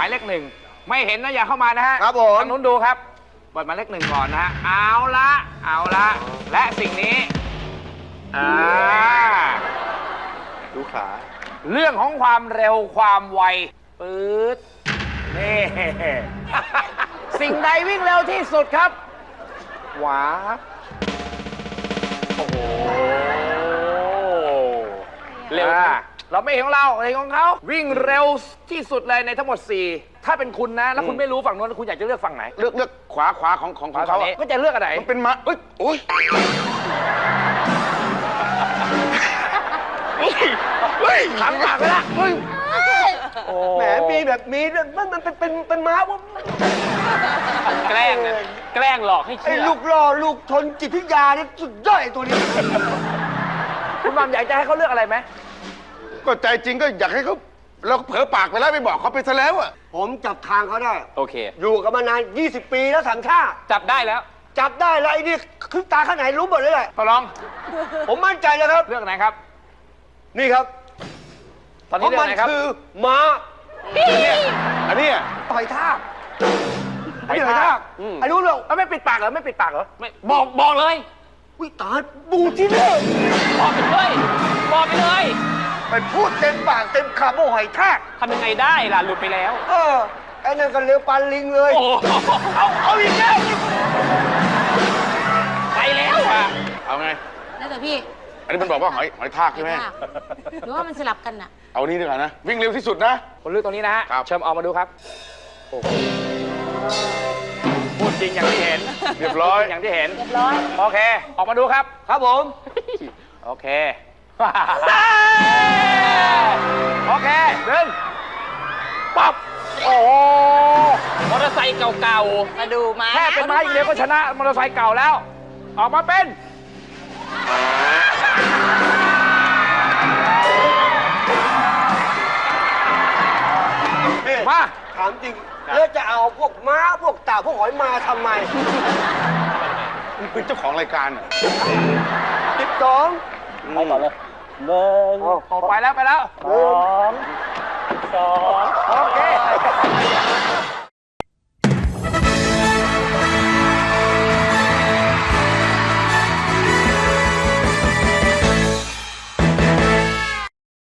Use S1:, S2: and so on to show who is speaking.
S1: มายเลขหนึ่งไม่เห็นนะอย่าเข้ามานะฮะ
S2: ครับผม
S1: ทางนู้นดูครับเปิดหมายเลขหนึ่งก่อนนะฮะเอาละและสิ่งนี้
S2: ดูขา
S1: เรื่องของความเร็วความไวปื๊ดนี่ สิ่งใดวิ่งเร็วที่สุดครับหวาโอ้โหเร็วเราไม่เห็นของเราเห็นของเขาวิ่งเร็วที่สุดเลยในทั้งหมด 4 ถ้าเป็นคุณนะแล้วคุณไม่รู้ฝั่งนู้นคุณอยากจะเลือกฝั่งไหน
S2: เลือกขวาของเขา
S1: ก็จะเลือกอะไร
S2: มันเป็นม้าโอ้ย
S1: ถามปากไปละ
S2: แหมมีแบบมีมันเป็นม้าว่า
S1: แกล้งนะแกล้งหลอกให้เชื่
S2: ไอ้
S1: อ
S2: ลูกล่อลูกชนจิตวิทยานี่สุดยอดไอ้ตัวนี้
S1: คุณมัมอยากจะให้เขาเลือกอะไรไหม
S2: ก็ใจจริงก็อยากให้เขาเราเผลอปากไปแล้วไปบอกเขาไปซะแล้วอ่ะผมจับทางเขาได้
S1: โอเค
S2: อยู่กันมานาน20 ปีแล้วสัญชาติ
S1: จับได้แล้ว
S2: จับได้แล้วไอ้นี่คือตาข้างไหนรู้หมดเลยแหละ
S1: พอลอง
S2: ผมมั่นใจเลยครับ
S1: เลือกไหนครับ
S2: นี่ครับ
S1: ตอนนี้เลือกไหนครับ
S2: คือม้าอันนี้ต่อยท่าอันนี้ต่อยท่าไอ้รู้เรื่อง
S1: ไม่ปิดปากเหรอไม่ปิดปากเหรอไม่
S3: บอกเลย
S2: วิตายบูที่นี่
S3: บอกไปเลยบอกไปเลย
S2: ไปพูดเต็มปากเต็มคำว่าหอยทาก
S3: ทำยังไงได้ล่ะหลุดไปแล้ว
S2: ไอ้นั่นก็เร็วปันลิงเลย
S3: โอ้โห
S2: เอาอีกแล้ว
S3: ไปแล้วอ่ะ
S4: เอาไง
S5: แล้วแต่พี่
S4: อันนี้มันบอกว่าหอยทากใช่ไหม
S5: หรือว่ามันสลับกันน่ะ
S4: เอานี่ดีกว่านะ วิ่งเร็วที่สุดนะ
S1: คนเลือกตรงนี้นะฮะ
S4: ครับ
S1: เชิญออกมาดูครับโอ้โหพูดจริงอย่างที่เห็น
S4: เรียบร้อย
S1: พูดจงอย่างที่เห็น
S5: เรียบร้อย
S1: โอเค ออกมาดูครับ
S2: ครับผม
S1: โอเค โอเคหนึ่งปั๊บ โอ้โห
S3: มอเตอร์ไซค์เก่า
S5: มาดูมา
S1: แค่เป็นไม้อย่างเดียวก็ชนะมอเตอร์ไซค์เก่าแล้ว ออกมาเป็น มา
S2: ถามจริงแล้วจะเอาพวกม้าพวกเต่าพวกหอยมาทำไม
S4: มันเป็นเจ้าของรายการอ่ะ
S2: 12
S3: ๆเอาก่อนเลยหนึ่ง
S1: ออกไปแล้ว
S3: สอง
S1: โอเค